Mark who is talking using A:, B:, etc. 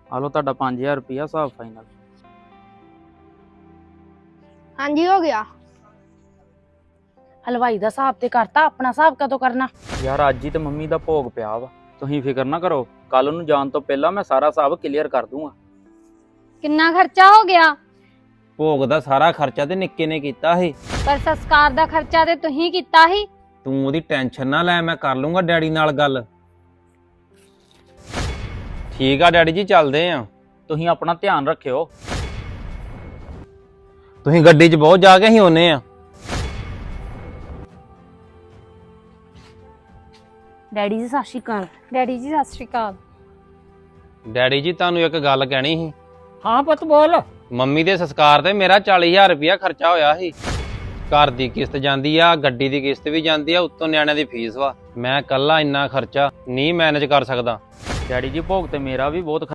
A: ਆ ਲਓ ਤੁਹਾਡਾ 5000 ਰੁਪਇਆ ਹਿਸਾਬ ਫਾਈਨਲ।
B: ਹਾਂਜੀ ਹੋ ਗਿਆ।
C: ਹਲਵਾਈ ਦਾ ਹਿਸਾਬ ਤੇ ਕਰਤਾ, ਆਪਣਾ ਹਿਸਾਬ ਕਦੋਂ ਕਰਨਾ?
A: ਯਾਰ ਅੱਜ ਹੀ ਤੇ ਮੰਮੀ ਦਾ ਭੋਗ ਪਿਆ ਵਾ, ਤੁਸੀਂ ਫਿਕਰ ਨਾ ਕਰੋ, ਕੱਲ ਨੂੰ ਜਾਣ ਤੋਂ ਪਹਿਲਾਂ ਮੈਂ ਸਾਰਾ ਹਿਸਾਬ ਕਲੀਅਰ ਕਰ ਦੂੰਗਾ।
B: ਕਿੰਨਾ ਖਰਚਾ ਹੋ ਗਿਆ?
D: ਭੋਗ ਦਾ ਸਾਰਾ ਖਰਚਾ ਤੇ ਨਿੱਕੇ ਨੇ ਕੀਤਾ ਸੀ।
B: ਪਰ ਸੰਸਕਾਰ ਦਾ ਖਰਚਾ ਤੇ ਤੁਸੀਂ ਕੀਤਾ ਸੀ।
D: ਤੂੰ ਉਹਦੀ ਟੈਨਸ਼ਨ ਨਾ ਲੈ, ਮੈਂ ਕਰ ਲੂੰਗਾ ਡੈਡੀ ਨਾਲ ਗੱਲ। ਠੀਕ ਆ ਡੈਡੀ ਜੀ, ਚੱਲਦੇ ਆ।
A: ਤੁਸੀਂ ਆਪਣਾ ਧਿਆਨ ਰੱਖਿਓ।
D: ਤੁਸੀਂ ਗੱਡੀ 'ਚ ਬਹੁਤ ਜਾ ਕੇ ਅਸੀਂ ਆਉਨੇ ਆ।
C: ਡੈਡੀ ਜੀ ਸਤਿ ਸ਼੍ਰੀ ਅਕਾਲ।
B: ਡੈਡੀ ਜੀ ਸਤਿ ਸ਼੍ਰੀ ਅਕਾਲ।
D: ਡੈਡੀ ਜੀ ਤੁਹਾਨੂੰ ਇੱਕ ਗੱਲ ਕਹਿਣੀ ਸੀ।
E: ਹਾਂ ਪੁੱਤ ਬੋਲ।
D: ਮੰਮੀ ਦੇ ਸੰਸਕਾਰ ਤੇ ਮੇਰਾ 40000 ਰੁਪਇਆ ਖਰਚਾ ਹੋਇਆ ਸੀ। ਘਰ ਦੀ ਕਿਸ਼ਤ ਜਾਂਦੀ ਆ, ਗੱਡੀ ਦੀ ਕਿਸ਼ਤ ਵੀ ਜਾਂਦੀ ਆ, ਉੱਤੋਂ ਨਿਆਣਿਆਂ ਦੀ ਫੀਸ ਵਾ। ਮੈਂ ਇਕੱਲਾ ਇੰਨਾ ਖਰਚਾ ਨਹੀਂ ਮੈਨੇਜ ਕਰ ਸਕਦਾ।
A: ਡੈਡੀ ਜੀ ਭੋਗ ਤੇ ਮੇਰਾ ਵੀ ਬਹੁਤ